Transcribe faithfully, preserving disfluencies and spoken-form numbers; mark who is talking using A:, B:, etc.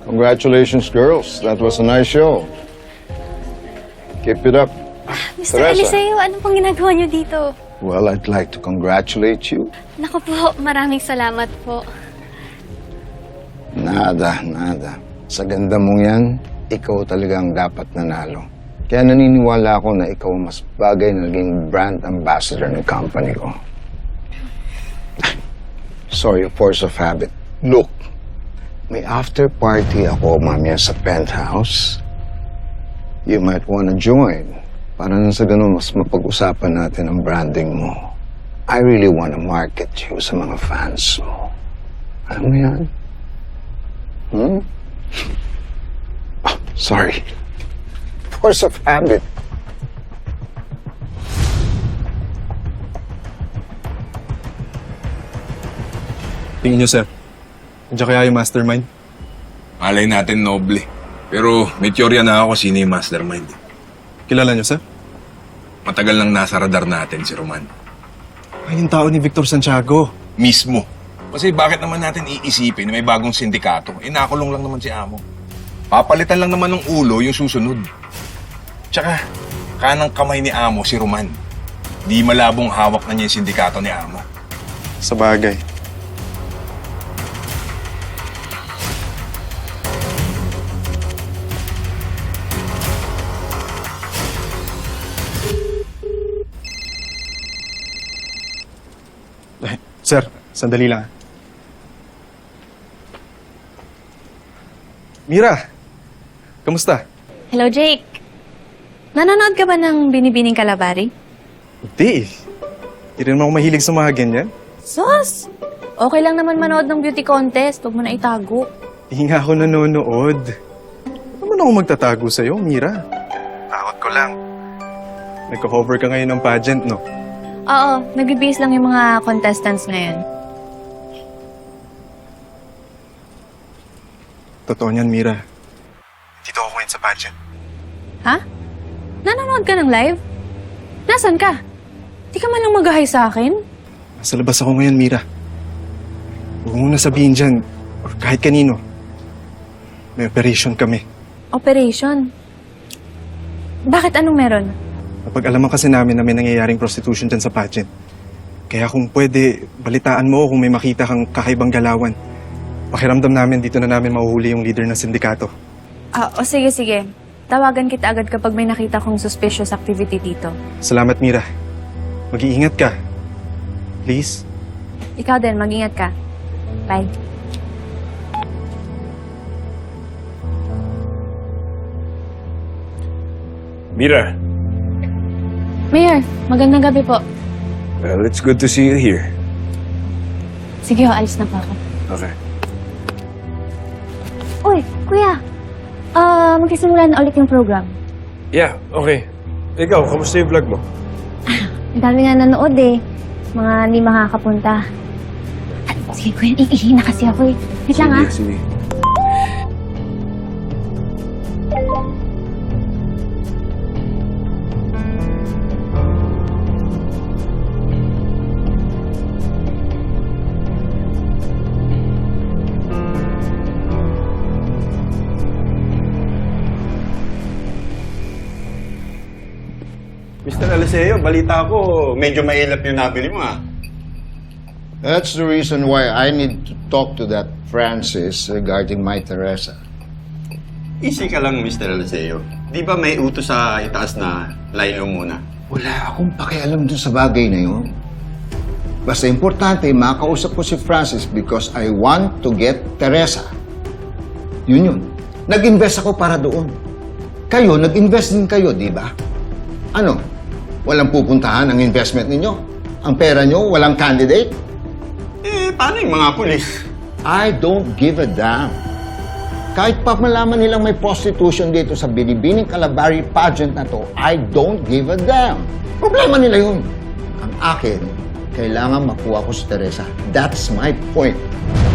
A: Congratulations, girls. That was a nice show. Keep it up.
B: Mister
A: Teresa.
B: Eliseo, ano pong ginagawa niyo dito?
A: Well, I'd like to congratulate you.
B: Naku po, maraming salamat po.
A: Nada, nada. Sa ganda mong yan, ikaw talagang dapat nanalo. Kaya naniniwala ako na ikaw ang mas bagay na naging brand ambassador ng company ko. Sorry, force of habit. Look, may after party ako mamaya sa penthouse. You might wanna join. Para nang sa ganun, mas mapag-usapan natin ang branding mo. I really wanna market you sa mga fans mo. Alam mo yan? Hmm? Oh, sorry. Force of habit.
C: Tingin nyo, sir. Nandiyan kaya yung mastermind?
D: Malay natin noble. Pero may teorya na ako sino yung mastermind.
C: Kilala nyo, sir?
D: Matagal nang nasa radar natin si Roman.
C: Ay, yung tao ni Victor Santiago.
D: Mismo. Kasi bakit naman natin iisipin na may bagong sindikato? Eh, nakulong lang naman si Amo. Papalitan lang naman ng ulo yung susunod. Tsaka, kanang kamay ni Amo si Roman. Di malabong hawak na niya yung sindikato ni Amo.
C: Sa bagay. Eh, Sir, sandali lang. Mira, kamusta?
B: Hello, Jake. Nanonood ka ba ng Binibining Kalabari?
C: Hindi eh. Hindi rin ako mahilig sa mga ganyan.
B: Sus! Okay lang naman manood ng beauty contest. Huwag mo na itago.
C: Hindi nga ako nanonood. Ano man ako magtatago sa'yo, Mira? Takot ko lang. Nagko-cover ka ngayon ng pageant, no?
B: Oo, nagbibihis lang yung mga contestants ngayon.
C: Totoo niyan, Mira. Dito ako ngayon sa pageant.
B: Ha? Nanonood ka ng live? Nasaan ka? Di ka man lang mag-hi sa akin?
C: Nasa labas ako ngayon, Mira. Huwag mong nasabihin dyan, or kahit kanino. May operation kami.
B: Operation? Bakit anong meron?
C: Napag-alaman kasi namin na may nangyayaring prostitution dyan sa pageant. Kaya kung pwede, balitaan mo kung may makita kang kakaibang galawan. Pakiramdam namin dito na namin mahuhuli yung leader ng sindikato.
B: Ah, o sige, sige. Tawagan kita agad kapag may nakita kong suspicious activity dito.
C: Salamat, Mira. Mag-iingat ka. Please.
B: Ikaw din, mag-ingat ka. Bye.
D: Mira.
B: Mayor, magandang gabi po.
D: Well, it's good to see you here.
B: Sige ho, alis na po ako.
D: Okay.
B: Uy, kuya. Ah, magsisimula na ulit yung program.
E: Yeah, okay. Ikaw, kamusta yung vlog mo?
B: Ang dami nga nanood eh. Mga hindi makakapunta. Ah, sige kuya, iihi na kasi ako eh. Wait lang ah.
D: Sige.
F: Mister Eliseo, balita ko, medyo mailap yung nabili mo, ah.
A: That's the reason why I need to talk to that Francis regarding my Teresa.
F: Easy ka lang, Mister Eliseo. Di ba may utos sa itaas na line mo muna?
A: Wala akong pakialam dun sa bagay na yun. Basta importante, makausap ko si Francis because I want to get Teresa. Yun yun. Nag-invest ako para doon. Kayo, nag-invest din kayo, di ba? Ano? Walang pupuntahan ang investment ninyo? Ang pera nyo, walang candidate?
F: Eh, paano yung mga pulis?
A: I don't give a damn. Kahit pa malaman nilang may prostitution dito sa Binibining Kalabari pageant na to, I don't give a damn. Problema nila yun. Ang akin, kailangan makuha ko si Teresa. That's my point.